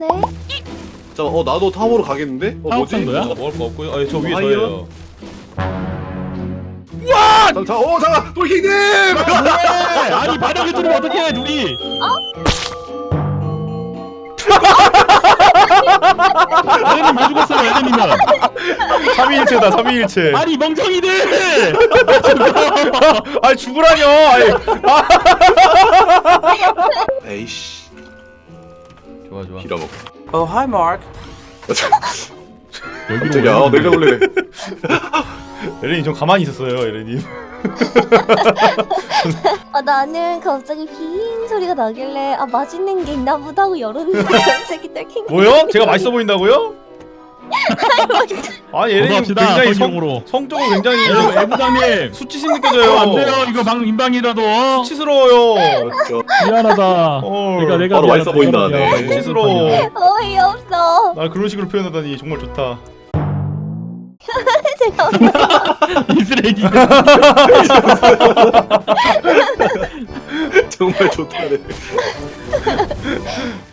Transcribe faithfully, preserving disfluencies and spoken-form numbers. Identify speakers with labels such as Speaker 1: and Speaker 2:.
Speaker 1: 네?
Speaker 2: 자, 어 나도 탑으로 가겠는데? 어 뭐지?
Speaker 3: 사업장도야?
Speaker 4: 어, 먹을 거 없고요. 아니, 저 위에
Speaker 2: 아이요?
Speaker 4: 저예요.
Speaker 2: 자, 자, 어 잠깐, 돌킹님!
Speaker 3: 뭐해? 아니 바닥에 들으면 어떡해 둘이. 에렌님 왜 죽었어요 에렌님은?
Speaker 5: 삼위일체다 삼위일체.
Speaker 3: 아니 멍청이들!
Speaker 5: 아니 죽으라뇨. 아니.
Speaker 2: 에이씨,
Speaker 4: 좋아, 좋아.
Speaker 2: 빌어먹.
Speaker 6: Oh, hi, Mark.
Speaker 2: 갑자기 아 내가 원래
Speaker 5: 에렌님 좀 가만히 있었어요 에렌님.
Speaker 1: 아 나는 갑자기 빙 소리가 나길래 아 맛있는 게 있나 보다 하고 열었는데 갑자기 떨킹.
Speaker 5: 뭐요? 제가 맛있어 보인다고요? 아니 에렌님
Speaker 3: 고맙시다
Speaker 5: 굉장히
Speaker 3: 성경으로.
Speaker 5: 성, 성적으로 굉장히
Speaker 3: 여러분 애부장님
Speaker 5: 수치심 느껴져요.
Speaker 3: 안 돼요 이거 방 인방이라도.
Speaker 5: 수치스러워요.
Speaker 2: 저,
Speaker 3: 미안하다.
Speaker 5: 어,
Speaker 3: 내가 내가
Speaker 2: 바로
Speaker 3: 미안하다.
Speaker 2: 맛있어 보인다, 네.
Speaker 3: 미안하다.
Speaker 5: 수치스러워.
Speaker 1: 어이없어.
Speaker 5: 날 그런 식으로 표현하다니 정말 좋다.
Speaker 1: 제가
Speaker 3: 이 쓰레기.
Speaker 2: 정말 좋다네.